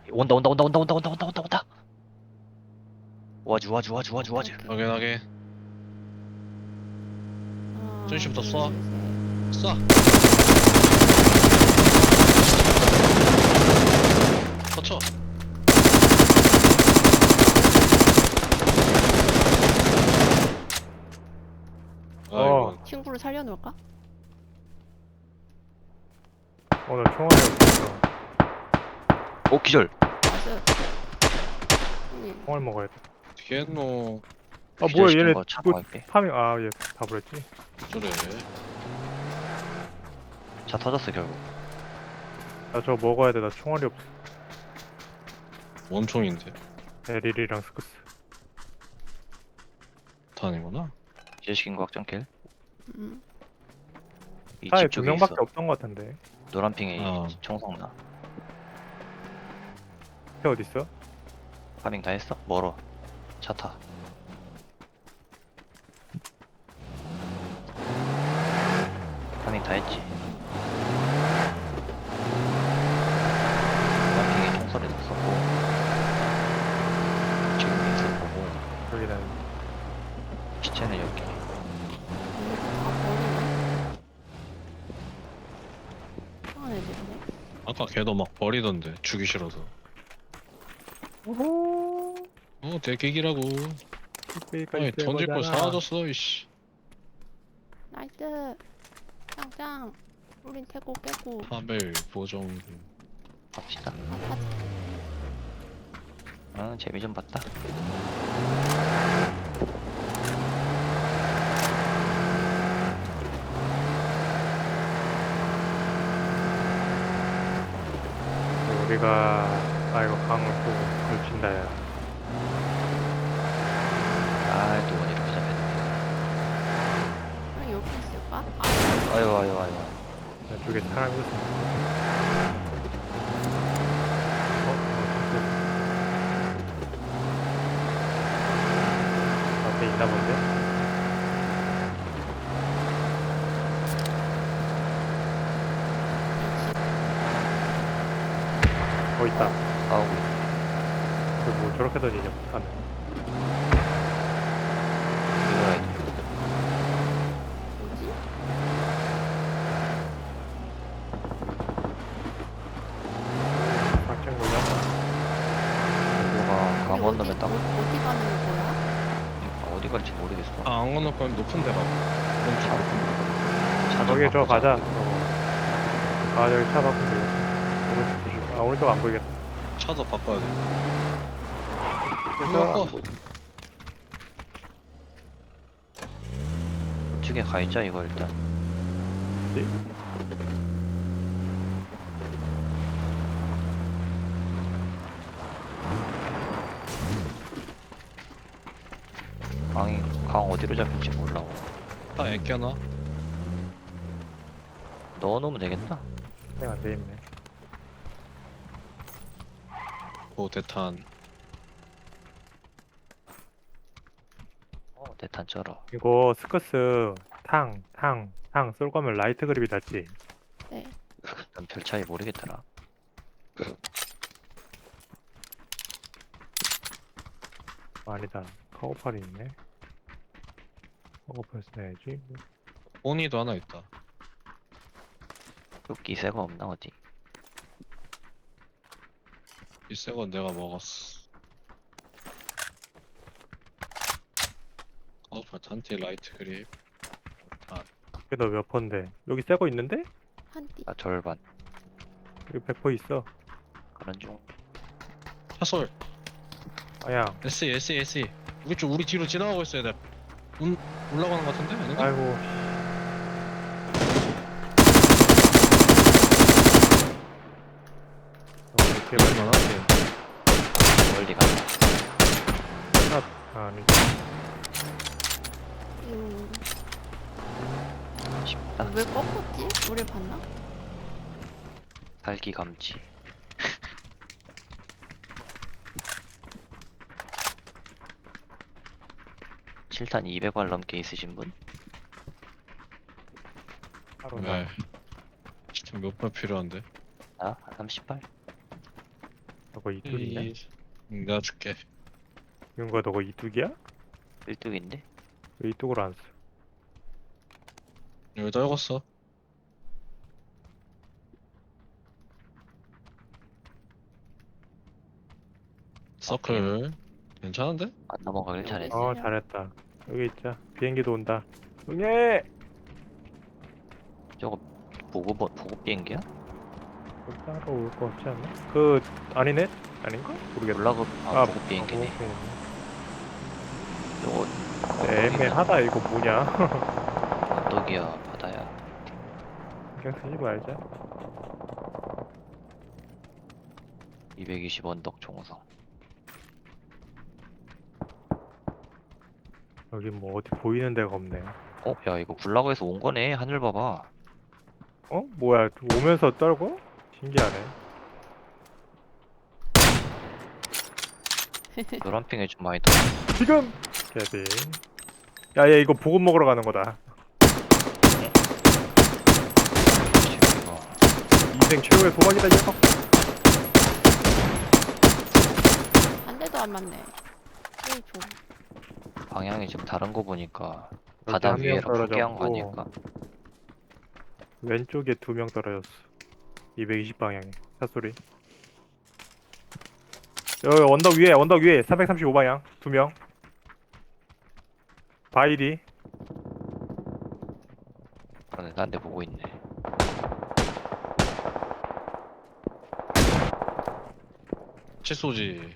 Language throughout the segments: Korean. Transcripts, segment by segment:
온다 온다 온다 온다 온다 온다 온다 온다 온다. 와주 와주 와주 와주 와주. 오케이. 확인하게. 하나, 전시부터 둘, 쏴. 셋. 쏴. 터쳐. 아이고. 친구를 살려놓을까? 오늘 총알이 없어서 오 기절. 나이스. 형님, 총알 먹어야 돼. 뒤에노. 아 뭐야 기절시킨 얘네 거 차 뭐 먹을게. 파밍 아얘 다 버렸지. 저래. 차 터졌어 결국. 나 저거 먹어야 돼. 나 총알이 없어. 원총인데. 에릴이랑 스크스. 탄이구나. 기절시킨 거 확정킬. 음, 이 차에 집 두 쪽에 명밖에 있어. 없던 것 같은데. 노란 핑에 어. 청성 나. 걔 어디 있어? 파밍 다 했어? 멀어. 차 타. 파밍 다 했지. 노란 핑에 총소리 났었고. 지금 믹스 보고 여기는 시체는 여기. 이거 다 버리네. 이상한 애들이네. 아까 걔도 막 버리던데. 주기 싫어서. 오호. 대객이라고. 아니 던질 거 사라졌어 이씨. 나이스. 짱짱. 우린 태고 깨고. 파벨 보정. 갑시다. 아파트. 재미 좀 봤다. 우리가 아 이거 강을 또 걸친다 야. 또 이렇게 잡혔네. 그럼 여기 있을까? 아유 아유 아유. 이쪽에 사람이 있었어. 앞에 있나 본데? 있다. 싸우고 있어. 뭐 저렇게 던지냐 못하네. 이거야. 뭐지? 박정 걸렸다. 이거가 강 건너면 딱 어디 가는 거야? 어디 갈지 모르겠어. 안 건널 거면 높은 데 가. 오른쪽 높은 데. 차 저기 저 바꾸자. 가자. 아 저기 차 바꾸면 되겠다. 오른쪽 조심. 아 오른쪽 안 보이겠다. 차도 바꿔야 돼. 그래서 우측에 가 있자 이거 일단. 강 어디로 잡힐지 몰라. 다 애껴놔. 넣어놓으면 되겠다. 그냥 안 돼있네. 대탄. 대탄 쩔어. 이거 스커스 탕 쏠 거면 라이트 그립이 닿지. 네. 난 별 차이 모르겠더라. 아니다. 카고팔이 있네. 카고팔 써야지. 포니도 하나 있다. 뚝기 새거 없나 어디? 이 새 건 내가 먹었어. 단티 라이트 그립. 이게 너 몇 번데? 여기 새 거 있는데? 한 띠. 나 절반. 여기 100% 있어. 그런 중. 차솔. 아야. SE. 우리 뒤로 지나가고 있어야 돼. 올라가는 것 같은데? 아닌가? 아이고. 이렇게 얼마나? 멀리 가. 아니. 쉽다. 왜 꺾었지? 우리 봤나? 살기 감지. 칠탄 200발 넘게 있으신 분? 바로 네. 지금 몇 발 필요한데? 나? 30발? 너거 이뚝이냐? 내가 줄게. 윤거 너거 이뚝이야? 1뚝인데? 왜 이뚝으로 안 써? 여기다 적었어. 서클 괜찮은데? 안 넘어가길 잘했어. 어 잘했다. 여기 있자. 비행기도 온다. 응애! 저거 보급 비행기야? 따로 올 거 없지 않나? 그 아니네? 아닌가? 모르겠다. 올라급 보급 비행기네. 저거 애매하다 이거 뭐냐? 언덕이야 바다야. 그냥 쓰지 말자. 220 언덕 총성. 여기 뭐 어디 보이는 데가 없네. 야 이거 굴라고에서 온 거네. 하늘 봐봐. 어? 뭐야? 오면서 떨고? 신기하네. 노란 핑에 좀 많이 더. 지금! 개비. 야, 얘 이거 보급 먹으러 가는 거다. 인생 최고의 소박이다, 이 녀석. 한 대도 안 맞네. 제일 좋아. 방향이 좀 다른 거 보니까 여기 바다 한명 위에로 포기한 거 떨어졌고, 아닐까? 왼쪽에 2명 떨어졌어. 220 방향에. 샷소리. 여기 언덕 위에 335 방향 2명. 바이디. 그러네, 딴 데 보고 있네. 칫소지.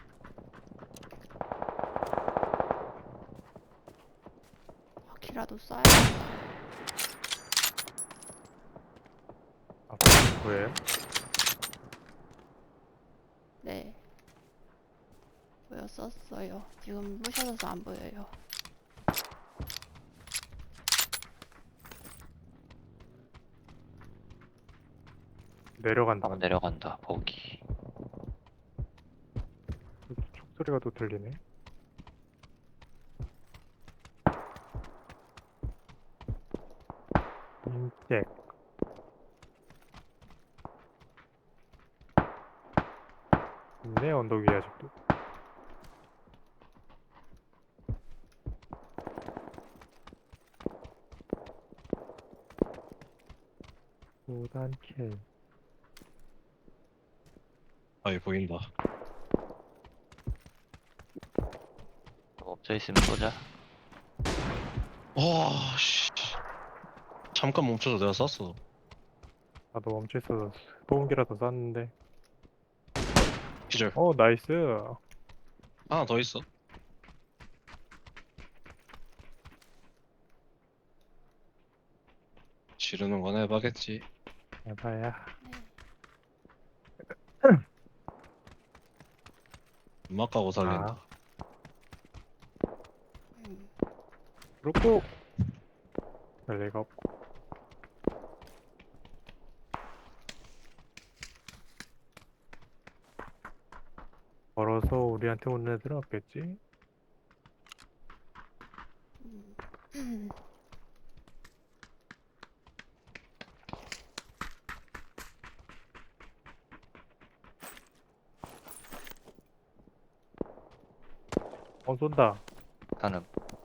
바퀴라도 쏴야겠다. 아, 뭐예요? 네. 보였었어요. 지금 부셔져서 안 보여요. 내려간다. 한번 내려간다. 거기. 촉소리가 또 들리네. 인잭. 있네, 언덕 위에 아직도. 오단킬. 아이 보인다. 엎져 있으면 쏘자. 와 씨. 잠깐 멈춰서 내가 쐈어. 나도 멈춰 있어서 소음기라도 쐈는데. 기절. 나이스. 하나 더 있어. 지르는 건 해봐겠지. 해봐야. 음악 가고 살린다. 음. 그렇고. 별 리가 없고. 걸어서 우리한테 오는 애들은 없겠지? 음. 쏜다. 나는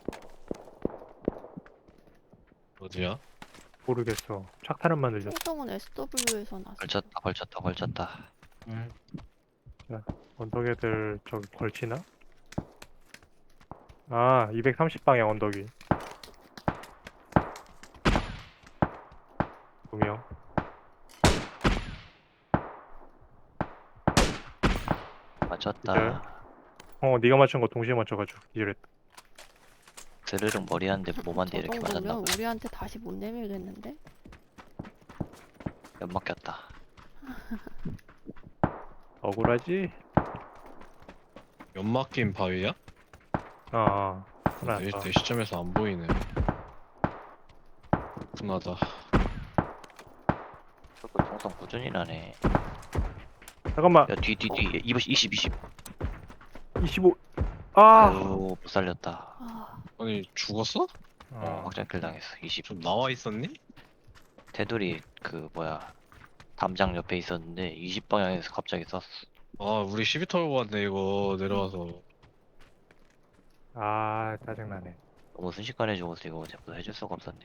어디야? 모르겠어. 착탄음만 들렸어. 총성은 SW에서 났어. 걸쳤다. 언덕 애들 저기 걸치나? 아, 230방향 언덕이. 2명. 맞췄다. 네가 맞춘 거 동시에 맞춰가지고 기절했다. 드르륵 머리 한대 몸한대 저 이렇게 맞았나 정도면 봐. 우리한테 다시 못 내밀겠는데? 연막 꼈다. 억울하지? 연막 낀 바위야? 하나 내, 더. 내 시점에서 안 보이네. 분하다. 저거 총성 꾸준히 나네. 잠깐만. 야 뒤 20. 25. 아! 아유 못 살렸다. 아, 아니 죽었어? 확장킬 당했어. 20. 좀 나와 있었니? 테두리 담장 옆에 있었는데 20방향에서 갑자기 쐈어. 아 우리 시비 털고 왔네 이거 내려와서. 아 짜증나네. 너무 순식간에 죽어서 이거 자꾸 해줄 수가 없었네.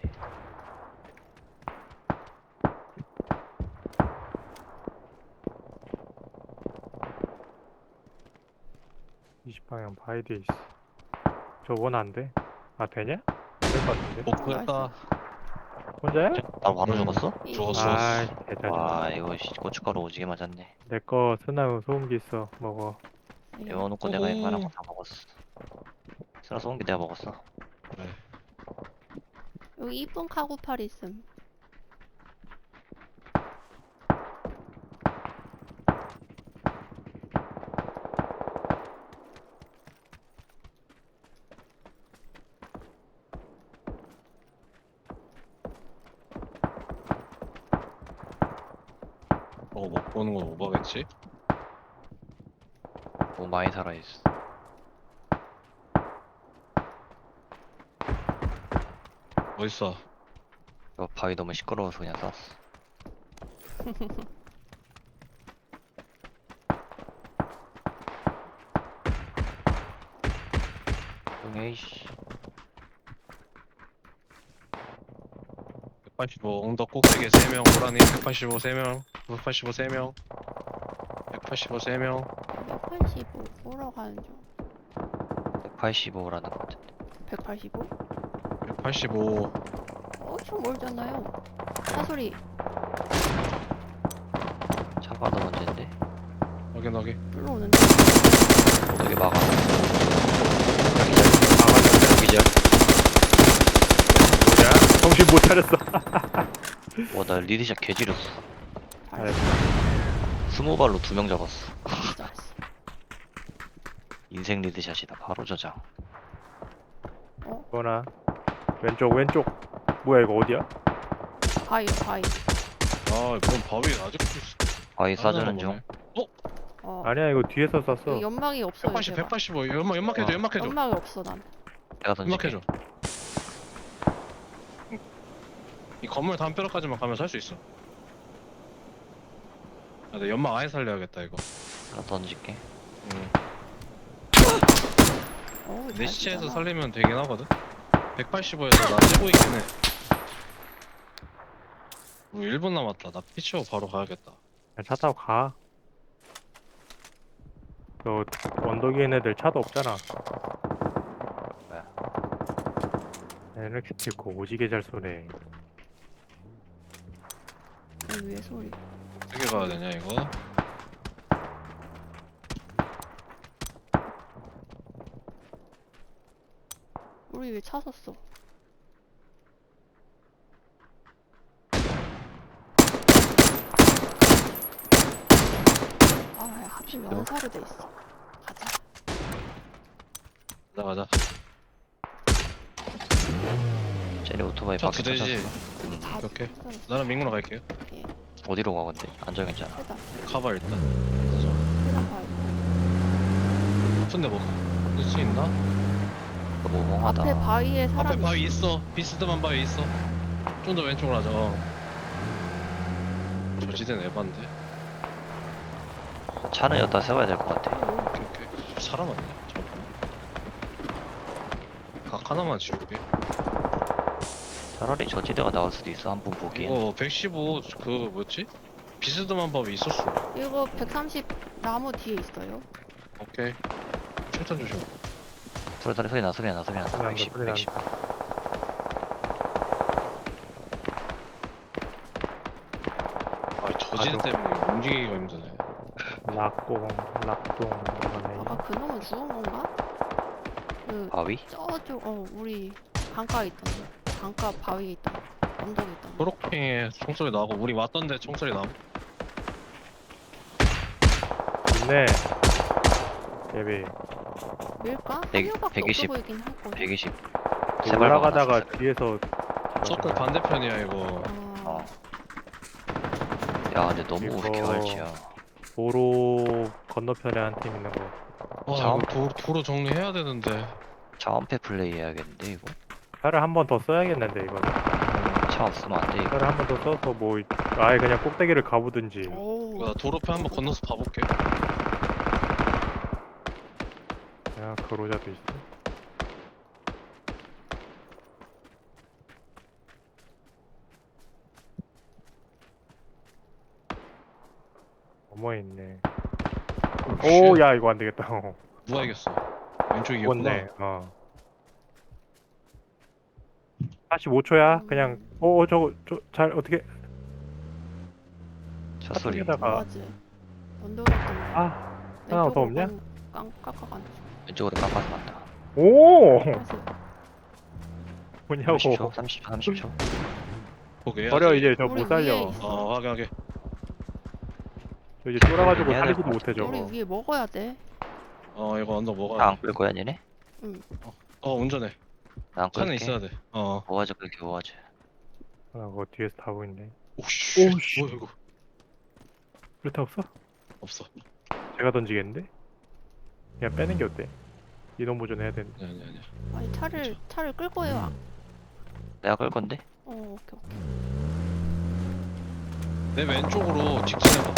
20방향 바이 뒤에 있어. 저 원 안 돼? 아 되냐? 안 될 것 같은데. 못 구했다. 혼자야? 나 바로 음. 죽었어? 죽었어. 아 개짜증나. 와 이거 고춧가루 오지게 맞았네. 내거 스나우 소음기 있어. 먹어. 네. 이어놓고 내가 웬만한 거 다 먹었어. 쓰라 쏘은 게 내가 먹었어. 네. 여기 이쁜 카고팔 있음. 먹고 오는 건 오버겠지? 너무 많이 살아있어. 어딨어? 이거 바위 너무 시끄러워서 그냥 쐈어. 에이씨. 185 언덕 꼭대기에 3명 고라니 185 3명 185 3명 185 3명 185 보러 가는 중. 185라는 것 같은데. 185? 185 엄청 멀잖아요. 사소리. 차가 더 문제인데. 확인하게. 불러오는데. 어떻게 막아? 여기절. 뭐냐? 정신 못 차렸어. 와, 나 리드샷 개지렸어. 발. 20발로 2명 잡았어. 진짜. 인생 리드샷이다. 바로 저장. 뭐나? 왼쪽. 뭐야 이거 어디야? 바위. 아 이건 바위 아직도 있어. 바위 쏴주는 중. 어. 아니야 이거 뒤에서 쐈어. 여기 연막이 없어. 180 185 연막해줘 어. 연막해줘 연막이 없어 난. 내가 던질게. 연막해줘. 이 건물 담벼락까지만 가면 살 수 있어. 아, 내 연막 아예 살려야겠다 이거. 하나 던질게. 어우, 내 잘 시체에서 쏘잖아. 살리면 되긴 하거든. 185에서 나 찌고 있긴 해. 우리 1분 남았다. 나 피 치워 바로 가야겠다. 그냥 차 타고 가. 저 언덕 위에 있는 애들 차도 없잖아. 뭐야? 이렇게 찍고 오지게 잘 쏘네. 여기 위에 소리. 어떻게 가야 되냐 이거? 우리 왜 차 섰어? 아, 야, 하필 연사로 돼 있어. 가자. 가자. 쟤네 오토바이 차 밖에 두 대지. 터졌어. 다 오케이. 쏘였어. 나는 민구로 갈게요. 어디로 가 근데? 안전 괜찮아. 세다. 가봐 일단. 가자. 세다 바위. 근데 뭐 늦을 수 있나? 너무 멍하다. 앞에 바위에 사람 앞에 바위 있어. 비스듬한 바위 있어. 좀 더 왼쪽으로 하자. 저지대는 에반데. 차는 여기다 세워야 될 것 같아. 오케이. 사람 아니야? 잠깐만. 각 하나만 지울게. 차라리 저지대가 나올 수도 있어. 한 분 보기엔. 이거 115 그 뭐였지? 비스듬한 바위 있었어. 이거 130 나무 뒤에 있어요. 오케이. 출탄 조심. 소리 나. 소리 난다, 110. 소리 110. 아 저지대 때문에 움직이기가 힘드네. 락동 이거네. 아까 그놈은 죽은 건가? 그 바위? 저쪽 우리 강가에 있던 거. 강가 바위에 있던 거. 언덕에 있던 거. 초록핑에 총소리 나고 우리 왔던데 총소리 나고. 있네. 예비. 밀까? 한 100, 명밖에 120. 없어 보이긴 할 거야. 120. 세 발 올라가다가 박아놨어. 뒤에서 서클 반대편이야 이거. 어. 야 근데 너무 이거- 개활지야. 도로 건너편에 한 팀 있는 거. 와 자원- 이거 도로 정리해야 되는데. 자원패 플레이 해야겠는데 이거? 차를 한 번 더 써야겠는데 이거. 차 없으면 안 돼 이거. 차를 한 번 더 써서 뭐 아예 그냥 꼭대기를 가보든지. 오. 이거 나 도로편 한번 건너서 봐볼게. 아, 그로자도 있어. 어머 있네. 오, 야, 이거 안 되겠다. 누가 이겼어? 왼쪽이 이겼구나. 죽었네. 45초야. 그냥 저거 잘 어떻게 첫 소리. 하다가 뭐하지? 언덕이었던 아, 하나 더 없냐? 깎아가는 왼쪽으로 깎아서 간다. 오, 사실 뭐냐고. 30초, 30초, 30초. 오케이. 버려 이제 저 우리 못 살려. 위에 있어. 확인하게. 저 이제 쫄아가지고 해야 살리지도 될것 못해 우리 저거. 위에 먹어야 돼. 이거 언덕 먹어야 나안 돼. 끌 거야, 얘네? 운전해. 나안 끌게. 차는 있어야 돼. 뭐하지, 끌게, 뭐하지. 아, 그거 뒤에서 다 보이네. 오씨. 오씨. 뭐야 이거? 그렇다 없어? 없어. 제가 던지겠는데? 그냥 빼는 게 어때? 이동 보존 해야 되는데. 아니. 아니 차를 끌 거예요. 내가 끌 건데? 오케이. 내 왼쪽으로 직진해봐.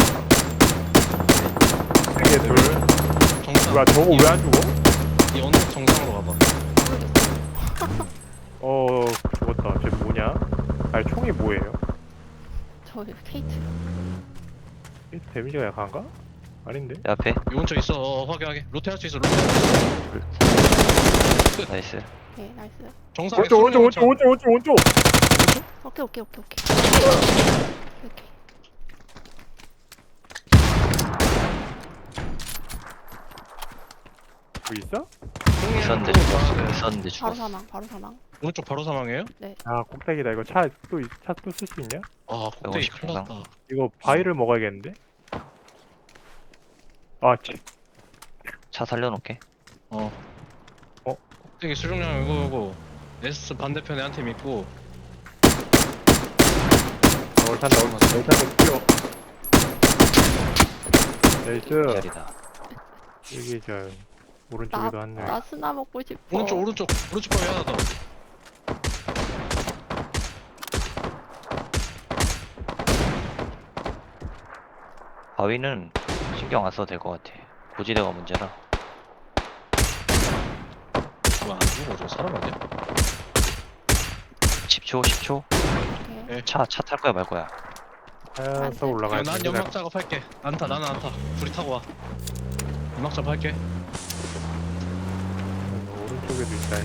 세개 둘. 정상. 뭐야 저거 왜 안 죽어? 이 언덕 정상으로 가봐. 죽었다. 쟤 뭐냐? 아니 총이 뭐예요? 저 케이트. 이 데미지가 약한가? 아닌데? 내 앞에. 이 근처 있어. 확인하게. 로테 할 수 있어. 로테. 나이스. 오케이 나이스. 정상에 오른쪽 오케이. 뭐 있어? 있었는데 네. 죽었어. 있었는데 바로 죽었어. 사망. 오른쪽 바로 사망이에요? 아 꼭대기다. 이거 차 또 쓸 수 있냐? 꼭대기 150 큰일 났다. 이거 바위를 먹어야겠는데? 아 치. 차 살려놓게. 꼭대기 수중량 이거. S 반대편에 한 팀 있고. 얼탄다 뛰어. 나이스. 기다리다. 여기 저 오른쪽에도 한 명. 나 스나 먹고 싶어. 오른쪽 방에 하나 더. 바위는 신경 안 써도 될 것 같아. 고지대가 문제라. 왜안 죽어? 저 사람 아니야? 10초, 10초. 오케이. 차 탈 거야, 말 거야. 타서 올라가야 난 돼. 연막 작업할게. 나는 안 타. 둘이 타고 와. 연막 작업할게. 오른쪽에도 있다.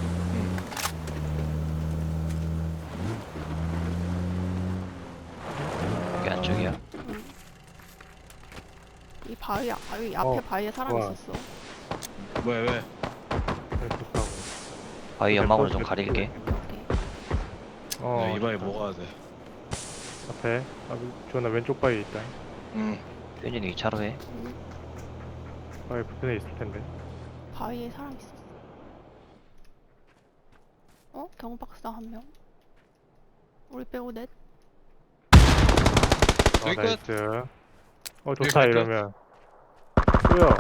여기 안쪽이야. 이 바위 앞에 바위에 사람 좋아. 있었어. 왜? 좋다고. 바위 연막으로 좀 가릴게. 오케이. 이바에 좋다. 먹어야 돼. 앞에. 저나 왼쪽 바위에 있다. 현진이 이 차로 해. 바위 붙은 애 있을 텐데. 바위에 사람 있었어. 경박사 한 명. 우리 빼고 넷. 여기 끝. 나이스. 좋다 여기 끝. 이러면. 뭐야?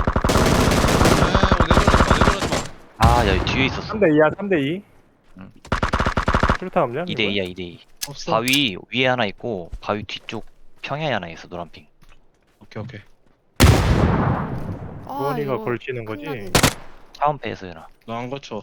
내려가지 마. 아, 야, 뒤에 있었어. 3대2야 3대2. 응. 수류탄 없냐? 2대2야, 2대2. 없어. 바위 위에 하나 있고, 바위 뒤쪽 평야에 하나 있어, 노란핑. 오케이. 주원이가 이거 걸치는 거지? 큰일 났네. 차원패에서 해놔. 너 안 거쳐.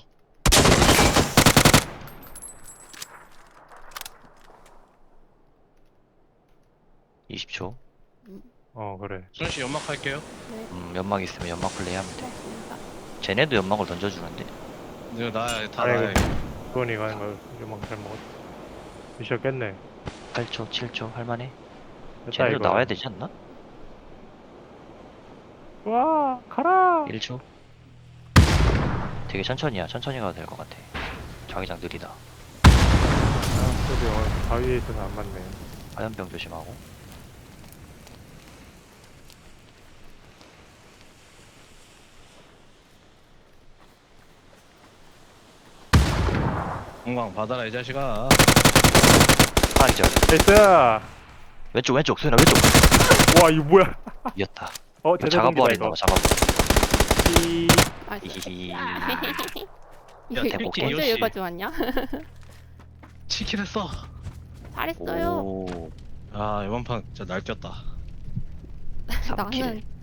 20초. 그래. 수현씨 연막 할게요. 네. 연막 있으면 연막 플레이 하면 돼. 고맙습니다. 쟤네도 연막을 던져주는데. 이거 다 아이고. 나야. 주원이가 하는 거 요만 잘 먹었어. 미션 깼네. 8초, 7초 할만해. 됐다 쟤네도 이거. 나와야 되지 않나? 와 가라. 1초. 되게 천천히야. 천천히 가도 될 것 같아. 자기장 느리다. 그래도 바위에 있어서 안 맞네. 화염병 조심하고. 건강 받아라 이 자식아. 하나 기절. 나이스. 왼쪽, 소연아, 왼쪽. 와 이거 뭐야? 이겼다. 제대로 작업부활 이거. 있나봐, 작업부활. 나이스. 히히히. 이게 대복해. 언제 요시. 여기까지 왔냐? 치킨 했어. 잘했어요. 오. 이번 판 진짜 날뛰었다. 삼킬. 나는